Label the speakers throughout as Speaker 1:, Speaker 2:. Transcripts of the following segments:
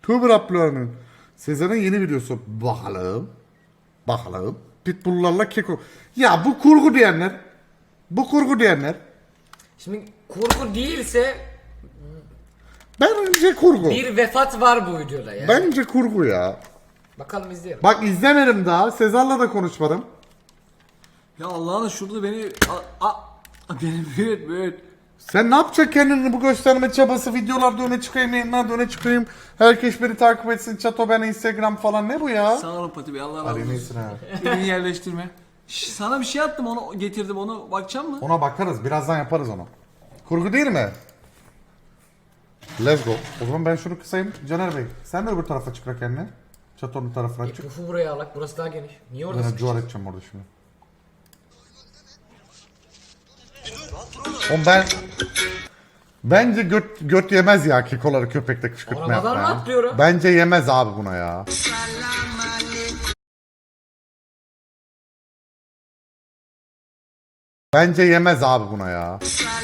Speaker 1: Tuğber Abloğan'ın Sezar'ın yeni videosu. Bakalım. Bakalım. Pitbull'larla keko. Ya bu kurgu diyenler. Bu kurgu diyenler.
Speaker 2: Şimdi kurgu değilse
Speaker 1: Bence kurgu.
Speaker 2: bir vefat var bu videoda ya.
Speaker 1: Bence kurgu ya.
Speaker 2: Bakalım izleyelim.
Speaker 1: Bak izlemedim daha. Sezar'la da konuşmadım.
Speaker 3: Ya Allah'ına şurada beni beni büyüt.
Speaker 1: Sen ne yapacaksın kendini bu gösterme çabası, videolarda öne çıkayım, yayınlarda öne çıkayım. Herkes beni takip etsin, çato ben Instagram falan, ne bu ya?
Speaker 3: Sağ olun Pati Bey, Allah razı
Speaker 1: Hadi
Speaker 3: olsun.
Speaker 1: neyse ha.
Speaker 3: Beni yerleştirme. Sana bir şey attım, onu getirdim, onu bakacak mı?
Speaker 1: Ona bakarız, birazdan yaparız onu. Kurgu değil mi? Let's go. O zaman ben şunu kısayım. Caner Bey, sen de öbür tarafa çık kendine. Çatonun tarafına çık.
Speaker 2: Pufu buraya alak, burası daha geniş. Niye orada
Speaker 1: Ben
Speaker 2: sıkıştın?
Speaker 1: cuvar edeceğim orada şimdi. Oğlum bence göt yemez ya kekoları köpekte kışkırtma
Speaker 2: Arabadan
Speaker 1: yapma
Speaker 2: mı
Speaker 1: ya.
Speaker 2: atlıyorum?
Speaker 1: Bence yemez abi buna ya. Bence yemez abi buna ya.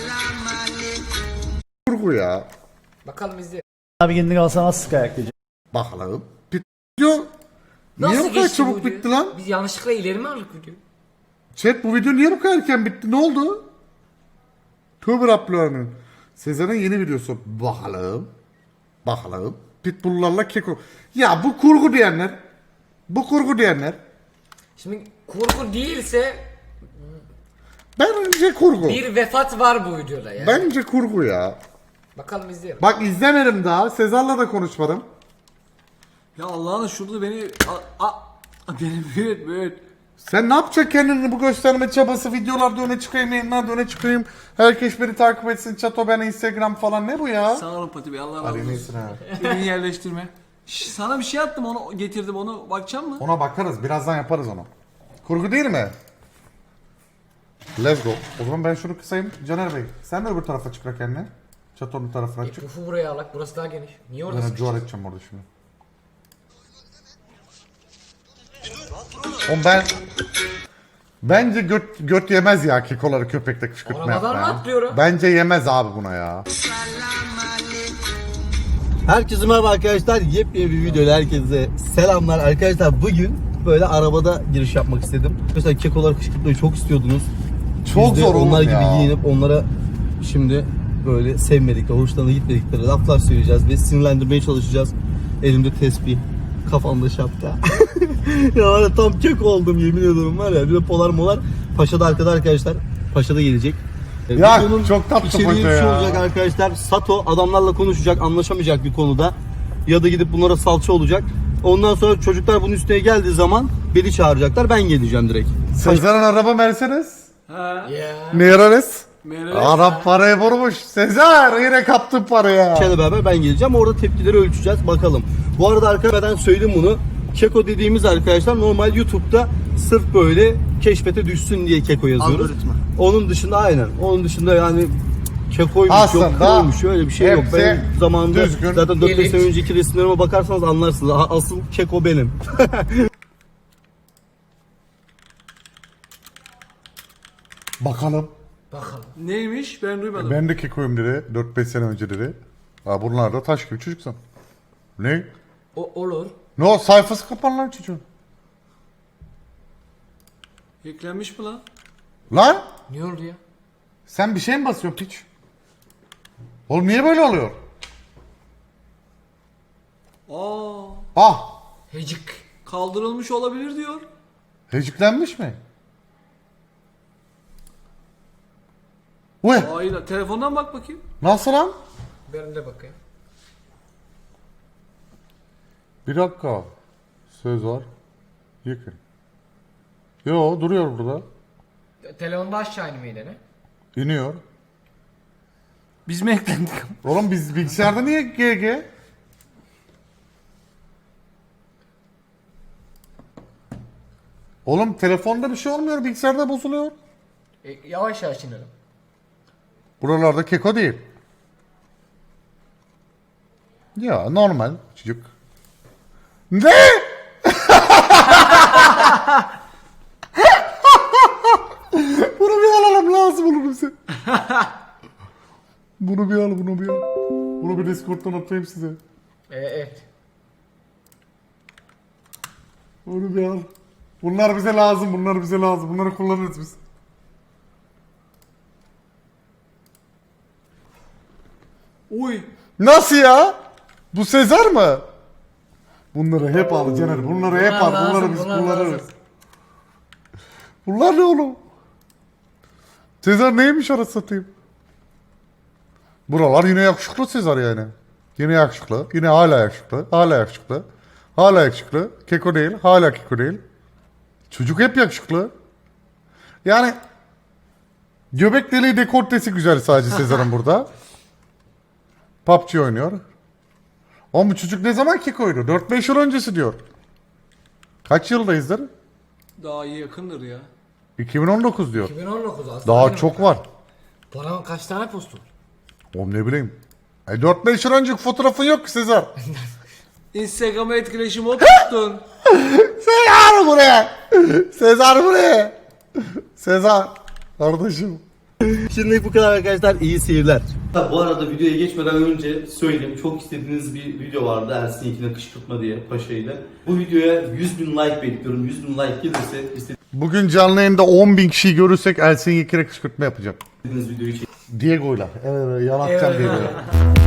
Speaker 1: Kurgu ya.
Speaker 2: Bakalım izleyelim.
Speaker 4: Abi kendini alsan nasıl sık ayak diyecek.
Speaker 1: Bakalım. Video niye bu kadar
Speaker 2: geçti
Speaker 1: çabuk
Speaker 2: bu video?
Speaker 1: bitti lan?
Speaker 2: Biz yanlışlıkla ileri mi aldık videoyu?
Speaker 1: Chat bu video niye bu kadar erken bitti? Ne oldu? Tuğber Abloğan'ın Sezar'ın yeni videosu. Bakalım. Bakalım. Pitbull'larla keko. Ya bu kurgu diyenler. Bu kurgu diyenler.
Speaker 2: Şimdi kurgu değilse
Speaker 1: Bence kurgu.
Speaker 2: bir vefat var bu videoda ya.
Speaker 1: Bence kurgu ya.
Speaker 2: Bakalım izleyelim.
Speaker 1: Bak izlemedim daha. Sezar'la da konuşmadım.
Speaker 3: Ya Allah'ına şurada beni beni büyüt.
Speaker 1: Sen ne yapacaksın kendini bu gösterme çabası, videolarda öne çıkayım, yayınlarda öne çıkayım. Herkes beni takip etsin, çato ben Instagram falan, ne bu ya?
Speaker 3: Sağ olun Pati Bey, Allah razı
Speaker 1: Hadi
Speaker 3: olsun.
Speaker 1: neyse ha.
Speaker 3: Beni yerleştirme. Sana bir şey attım, onu getirdim, onu bakacak mı?
Speaker 1: Ona bakarız, birazdan yaparız onu. Kurgu değil mi? Let's go. O zaman ben şunu kısayım. Caner Bey, sen de öbür tarafa çık kendine. Çatonun tarafına çık.
Speaker 2: Pufu buraya alak, burası daha geniş. Niye orada
Speaker 1: Ben
Speaker 2: sıkıştın?
Speaker 1: cuvar edeceğim orada şimdi. Oğlum bence göt yemez ya kekoları köpekte kışkırtma
Speaker 2: Arabadan
Speaker 1: yapma
Speaker 2: mı
Speaker 1: ya.
Speaker 2: atlıyorum?
Speaker 1: Bence yemez abi buna ya.
Speaker 4: Herkese merhaba arkadaşlar. Yepyeni bir videoyla herkese selamlar. Arkadaşlar bugün böyle arabada giriş yapmak istedim. Arkadaşlar kekolar kışkırtmayı çok istiyordunuz.
Speaker 1: Çok
Speaker 4: Biz de
Speaker 1: zor oğlum
Speaker 4: onlar
Speaker 1: ya.
Speaker 4: gibi giyinip onlara şimdi böyle sevmedikleri, hoşlarına gitmedikleri laflar söyleyeceğiz ve sinirlendirmeye çalışacağız. Elimde tesbih, kafamda şapka. Ya var ya tam keko oldum yemin ediyorum var ya. Bir de polar molar. Paşa'da arkada arkadaşlar. Paşa'da gelecek.
Speaker 1: Ya,
Speaker 4: Videonun
Speaker 1: çok tatlı
Speaker 4: içeriği
Speaker 1: Paşa
Speaker 4: şu
Speaker 1: ya.
Speaker 4: olacak arkadaşlar. Sato adamlarla konuşacak, anlaşamayacak bir konuda. Ya da gidip bunlara salça olacak. Ondan sonra çocuklar bunun üstüne geldiği zaman beni çağıracaklar. Ben geleceğim direkt.
Speaker 1: Sezar'ın araba Mercedes.
Speaker 3: Ha.
Speaker 2: Ya.
Speaker 1: Ne ararız?
Speaker 3: Meral.
Speaker 1: Arap parayı vurmuş. Sezar yine kaptın parayı.
Speaker 4: Paşa'yla beraber ben geleceğim. Orada tepkileri ölçeceğiz. Bakalım. Bu arada arkadaşlar ben söyleyeyim bunu. Keko dediğimiz arkadaşlar normal YouTube'da sırf böyle keşfete düşsün diye Keko yazıyoruz.
Speaker 3: Algoritma.
Speaker 4: Onun dışında aynen. Onun dışında yani Keko'ymuş
Speaker 1: Aslında
Speaker 4: yok, Kro'ymuş öyle bir şey yok.
Speaker 1: hepsi
Speaker 4: Benim zamanında
Speaker 1: düzgün.
Speaker 4: zaten 4-5
Speaker 2: Gelik.
Speaker 4: sene önceki resimlerime bakarsanız anlarsınız. Asıl Keko benim.
Speaker 1: Bakalım.
Speaker 2: Bakalım.
Speaker 3: Neymiş, ben duymadım.
Speaker 1: Ben de kekoyum dedi. 4-5 sene önce dedi. Ha bunlar da taş gibi çocuksan. Ne?
Speaker 2: Olur.
Speaker 1: Ne o sayfası kapan lan çocuğun.
Speaker 3: Yüklenmiş mi lan?
Speaker 1: Lan
Speaker 2: Niye oldu ya?
Speaker 1: sen bir şey mi basıyorsun piç? Oğlum niye böyle oluyor?
Speaker 3: Aa,
Speaker 1: Ah
Speaker 2: Hecik.
Speaker 3: kaldırılmış olabilir diyor.
Speaker 1: heciklenmiş mi? Uy
Speaker 3: Hayır, telefondan bak bakayım.
Speaker 1: nasıl lan?
Speaker 2: Ben de bakayım.
Speaker 1: Bir dakika. Söz var. Yıkın. Yo duruyor burada.
Speaker 2: Telefonda aşağı inmeyi ne?
Speaker 1: İniyor.
Speaker 3: Biz mi eklendik?
Speaker 1: Oğlum biz bilgisayarda niye GG? Oğlum telefonda bir şey olmuyor, bilgisayarda bozuluyor.
Speaker 2: Yavaş yavaş inelim.
Speaker 1: Buralarda keko değil. Ya normal çocuk. Ne? Bunu bir alalım lazım olur bize. Bunu bir al, bunu bir al. Bunu bir Discord'dan atayım size.
Speaker 2: Evet.
Speaker 1: Onu bir al. Bunlar bize lazım, bunlar bize lazım. Bunları kullanırız biz.
Speaker 3: Uy.
Speaker 1: Nasıl ya? Bu Sezar mı? Bunları hep al Caner. Bunları hep al.
Speaker 2: Bunlar
Speaker 1: Bunları
Speaker 2: lazım,
Speaker 1: biz
Speaker 2: bunlar
Speaker 1: kullanırız.
Speaker 2: lazım.
Speaker 1: Bunlar ne oğlum? Sezar neymiş orası satayım? Buralar yine yakışıklı Sezar yani. Yine yakışıklı. Yine hala yakışıklı. Hala yakışıklı. Hala yakışıklı. Keko değil. Hala keko değil. Çocuk hep yakışıklı. Yani göbek deliği dekoltesi güzel sadece Sezar'ın burada. PUBG oynuyor. Ama bu çocuk ne zaman kekoydu? 4-5 yıl öncesi diyor. Kaç yıldayızdır?
Speaker 3: Daha iyi yakındır ya.
Speaker 1: 2019 diyor.
Speaker 2: 2019 aslında.
Speaker 1: Daha
Speaker 2: benim.
Speaker 1: çok var.
Speaker 2: Bana kaç tane postu var?
Speaker 1: Oğlum ne bileyim. 4-5 yıl önceki fotoğrafın yok ki Sezar.
Speaker 3: Instagram'a etkileşim o tuttun.
Speaker 1: Sezar buraya. Sezar buraya. Sezar. Kardeşim.
Speaker 4: Şimdi bu kadar arkadaşlar, iyi seyirler. Bu arada videoya geçmeden önce söyleyeyim, çok istediğiniz bir video vardı Ersin'inkine kışkırtma diye Paşa ile. Bu videoya 100.000 like bekliyorum. 100.000 like gelirse
Speaker 1: Bugün canlı yayında 10.000 kişiyi görürsek Ersin Yekin'e kışkırtma yapacağım.
Speaker 4: istediğiniz videoyu çekin.
Speaker 1: Diego'yla. Evet yalatacağım
Speaker 2: Evet.
Speaker 1: Diego'yla.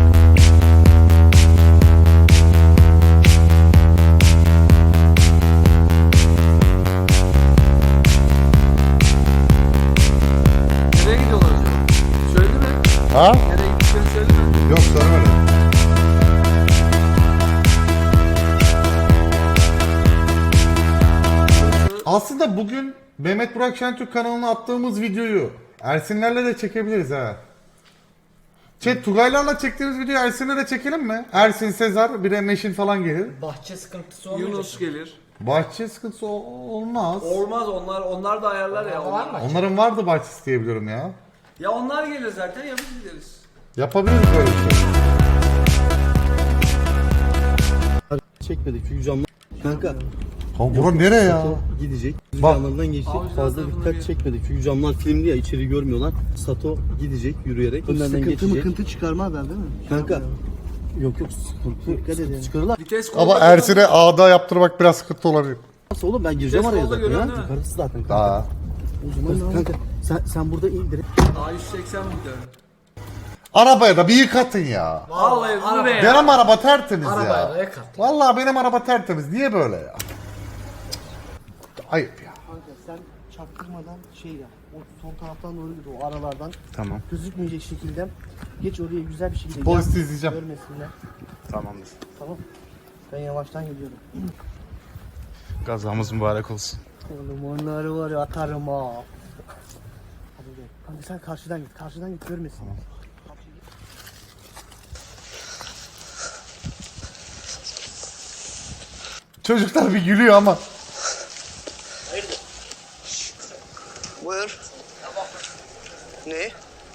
Speaker 3: Nereye gidiyorlar acaba? Söyledi mi?
Speaker 1: Ha?
Speaker 3: Nereye gittiklerini söyledi mi?
Speaker 1: Yok söylemedim. Aslında bugün Mehmet Burak Şentürk kanalına attığımız videoyu Ersinlerle de çekebiliriz ha. Tugaylarla çektiğimiz videoyu Ersin'le de çekelim mi? Ersin, Sezar, bir de Meşin falan gelir.
Speaker 2: Bahçe sıkıntısı olmayacak.
Speaker 3: Yunus gelir.
Speaker 1: Bahçe sıkıntısı olmaz.
Speaker 3: Olmaz, onlar da ayarlar ya.
Speaker 2: Var mı?
Speaker 1: Onların vardı bahçesi diye biliyorum ya.
Speaker 3: Ya onlar gelir zaten, ya biz gideriz.
Speaker 1: Yapabiliriz böyle bir şey.
Speaker 4: Çekmedik çünkü camlar. Kanka.
Speaker 1: Kanka bura nereye ya?
Speaker 4: Sato gidecek.
Speaker 1: Bak.
Speaker 4: Camlardan geçecek.
Speaker 3: Avcılar
Speaker 4: Fazla
Speaker 3: tarafına
Speaker 4: dikkat
Speaker 3: gel.
Speaker 4: çekmedik çünkü camlar filmli ya, içeri görmüyorlar. Sato gidecek yürüyerek. Önlerden geçecek.
Speaker 5: Sıkıntı çıkarmazlar değil mi?
Speaker 4: Kanka. Yok sıkıntı.
Speaker 5: Dikkat edin.
Speaker 4: Çıkarırlar.
Speaker 3: Vites
Speaker 1: Ama
Speaker 3: kolda
Speaker 1: Ersin'e ağda yaptırmak biraz sıkıntı olabilir.
Speaker 4: Nasıl oğlum, ben gireceğim
Speaker 3: Vites
Speaker 4: araya
Speaker 3: kolda
Speaker 4: zaten ya.
Speaker 3: görüyorsun değil mi?
Speaker 4: Yukarısı zaten kanka.
Speaker 1: Daha.
Speaker 5: O zaman
Speaker 4: Kanka sen burada in direkt.
Speaker 3: Daha 180 mi gider?
Speaker 1: Arabaya da bir yıkatın ya.
Speaker 3: Vallahi bu ne ya?
Speaker 1: Benim araba tertemiz
Speaker 2: Arabaya da
Speaker 1: ya.
Speaker 2: yakar.
Speaker 1: Vallahi benim araba tertemiz. Niye böyle ya? Ayıp ya.
Speaker 5: kanka sen çaktırmadan şey yap. O son taraftan doğru git, o aralardan.
Speaker 1: Tamam.
Speaker 5: Gözükmeyecek şekilde. Geç oraya güzel bir şekilde.
Speaker 1: Polis
Speaker 5: yap,
Speaker 1: izleyeceğim.
Speaker 5: Görmesinler.
Speaker 1: Tamamdır.
Speaker 5: Tamam. Ben yavaştan gidiyorum.
Speaker 6: Gazamız mübarek olsun.
Speaker 5: Oğlum onları var ya atarım ha. Hadi gel. Kanka sen karşıdan git. Karşıdan git görmesin.
Speaker 1: Çocuklar bir gülüyor ama.
Speaker 7: Buyur. Ne?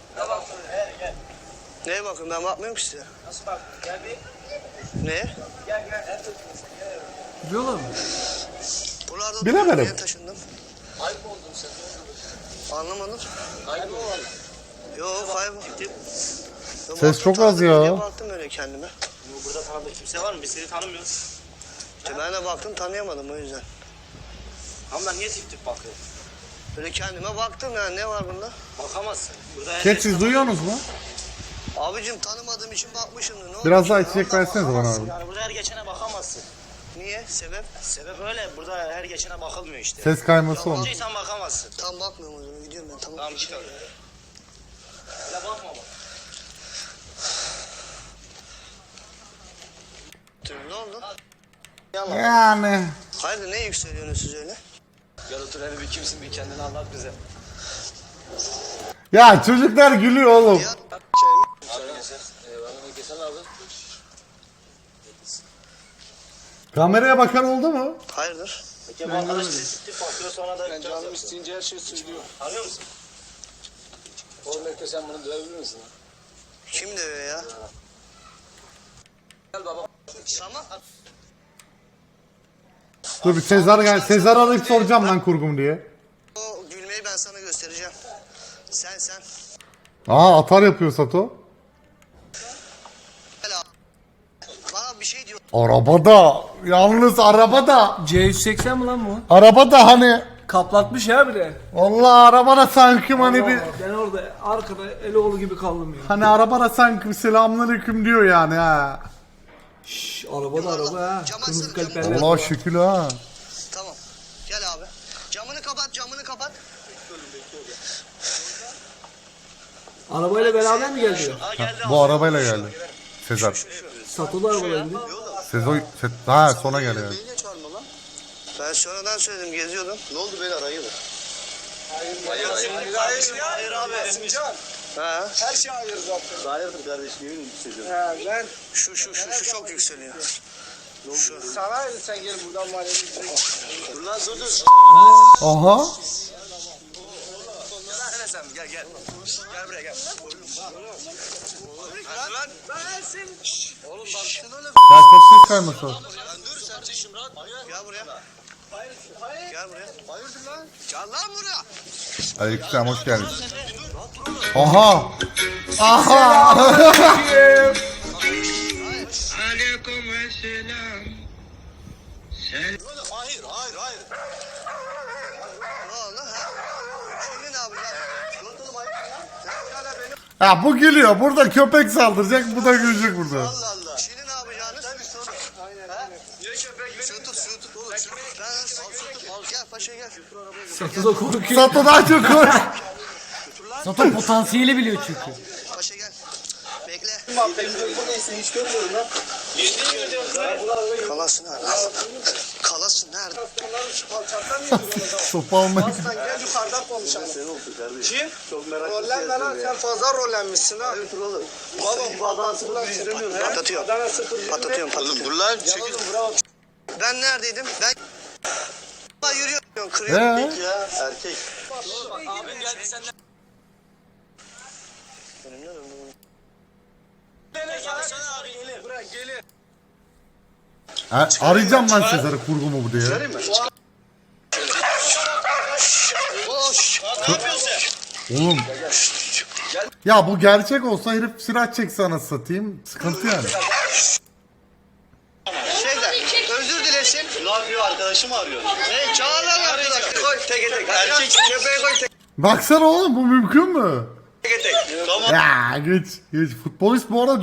Speaker 7: Neye bakın, ben bakmıyorum ki size. Nasıl bak? Gel bir. Ne?
Speaker 3: Biliyorlar mı?
Speaker 7: Buralarda
Speaker 1: Bilemedim.
Speaker 7: oturuyorum, yeni taşındım. Kayboldun sen. Anlamadım. Kayboldun. Yok kayboldum.
Speaker 1: Ses çok az ya.
Speaker 7: Baktım öyle kendime.
Speaker 8: Burada tanıdık kimse var mı? Biz seni tanımıyoruz.
Speaker 7: İşte ben de baktım, tanıyamadım o yüzden.
Speaker 8: Ama ben niye tip tip bakıyorum?
Speaker 7: Böyle kendime baktım yani, ne var bunda?
Speaker 8: Bakamazsın. Burada her
Speaker 1: Ket siz duyuyorsunuz mu?
Speaker 7: Abicim tanımadığım için bakmışımdır. Ne
Speaker 1: Biraz
Speaker 7: olmuş
Speaker 1: daha
Speaker 7: ya?
Speaker 1: içecek
Speaker 7: Allah
Speaker 1: versenize bana abi.
Speaker 8: Yani burada her geçene bakamazsın.
Speaker 7: Niye? Sebep?
Speaker 8: Sebep öyle. Burada her geçene bakılmıyor işte.
Speaker 1: Ses kayması olmuş.
Speaker 8: Yalancıysan bakamazsın.
Speaker 7: Tam bakmıyorum o zaman, gidiyorum ben. Tamam.
Speaker 8: Tamam git öyle. Öyle bakma bak.
Speaker 7: Ne oldu?
Speaker 1: Yani.
Speaker 7: Hayırdır, ne yükseliyorsunuz siz öyle?
Speaker 8: Gel otur hele bir kimsin bir kendini anlat bize.
Speaker 1: Ya çocuklar gülüyor oğlum.
Speaker 7: Ya
Speaker 8: Şöyle geçer. Bana geçen abi.
Speaker 1: Kameraya bakan oldu mu?
Speaker 7: hayırdır?
Speaker 8: Peki bu arkadaş tip tip bakıyor sonra da... Ben canım isteyince her şeyi söylüyor. Anlıyor musun? Oğlum belki sen bunu dövebilir misin?
Speaker 7: Kim dövüyor ya?
Speaker 8: Gel baba.
Speaker 7: Tamam.
Speaker 1: Dur bir Sezar gel. Sezar arayıp soracağım lan kurgum diye.
Speaker 7: O gülmeyi ben sana göstereceğim. Sen.
Speaker 1: Aa atar yapıyor Sato.
Speaker 7: Gel abi. Bana bir şey diyor.
Speaker 1: Arabada. Yalnız arabada.
Speaker 3: C180 mi lan bu?
Speaker 1: Arabada hani.
Speaker 3: Kaplatmış ya bir de.
Speaker 1: Vallahi arabada sanki hani bir.
Speaker 3: Ben orada arkada Eloğlu gibi kaldım ya.
Speaker 1: Hani arabada sanki selamünaleyküm diyor yani ha.
Speaker 3: Şşş araba da araba ha.
Speaker 7: Cam
Speaker 3: Kırmızı
Speaker 7: açsana, cam.
Speaker 3: kaliperler.
Speaker 1: Allah şükür ha.
Speaker 7: Tamam. Gel abi. Camını kapat, camını kapat.
Speaker 3: Arabayla beraber mi geldi?
Speaker 1: Bu arabayla geldi. Sezer.
Speaker 3: Satılı arabayla gidiyor.
Speaker 1: Ha sona geldi yani.
Speaker 7: Niye çağırma lan? Ben sonradan söyledim, geziyordum. Ne oldu beyler, hayırdır? Hayır abi. Sincan. Ha.
Speaker 8: Her şey hayır zaten.
Speaker 7: Hayırdır kardeşim, yemin hissediyorum.
Speaker 8: He ben
Speaker 7: Şu çok yükseliyor.
Speaker 8: sana sen gel buradan mahalleye.
Speaker 7: Dur lan dur.
Speaker 1: Aha.
Speaker 7: Gel sen gel. Gel buraya gel. Lan ben sen. Oğlum baksana oğlum.
Speaker 1: Ya çok ses kayması.
Speaker 7: Lan dur sen çeşim rahat. Gel buraya. Gel buraya. Hayırdır lan? Gel lan buraya.
Speaker 1: Aleykümselam hoş geldin. Aha. Aha.
Speaker 7: Hayır. Ne oldu ha? Şimdi ne yapacağız? Yoruldum hayır. Sen hala beni.
Speaker 1: Ya bu gülüyor. Burada köpek saldıracak. Bu da gülecek burada.
Speaker 7: Allah Allah. Şimdi ne yapacağınız? Tabii sorun. Aynen. Niye köpek beni? Şunu tut oğlum. Al gel paşa gel.
Speaker 3: Satılı korkuyor.
Speaker 1: Sato daha çok koy.
Speaker 2: Zaten potansiyeli biliyor çünkü.
Speaker 7: Paşa gel. Bekle.
Speaker 8: Bu neyse hiç görmüyorum lan.
Speaker 7: Kalasın nerede? Kalasın nerede?
Speaker 1: Sopa almayı.
Speaker 8: Sen gel yukarıdan konuşalım. Kim? Çok merak ettim. Lan sen fazla rollenmişsin ha. Hayır oğlum. Baba Adana 0-1
Speaker 7: Patlatıyorum.
Speaker 8: Adana 0-1
Speaker 7: Patlatıyorum. Dur lan. Çekil. Ben neredeydim? Ben yürüyorum. Kırıyorum.
Speaker 1: Ya
Speaker 7: Erkek. Abim geldi senden.
Speaker 1: arayacağım lan Sezar'ı kurgu mu bu diye.
Speaker 7: Boş. Ne yapıyorsun sen?
Speaker 1: Oğlum. Ya bu gerçek olsa herif silah çekse anasını satayım. Sıkıntı yani.
Speaker 7: Şeyden, özür dilesin. Ne yapıyor? Arkadaşım arıyor. Ne? Çağır lan arkadaş. Koy teke tek. Erkek köpeğe koy teke
Speaker 1: Baksana oğlum bu mümkün mü?
Speaker 7: tek. Tamam.
Speaker 1: Ya geç. Futbolist bu arada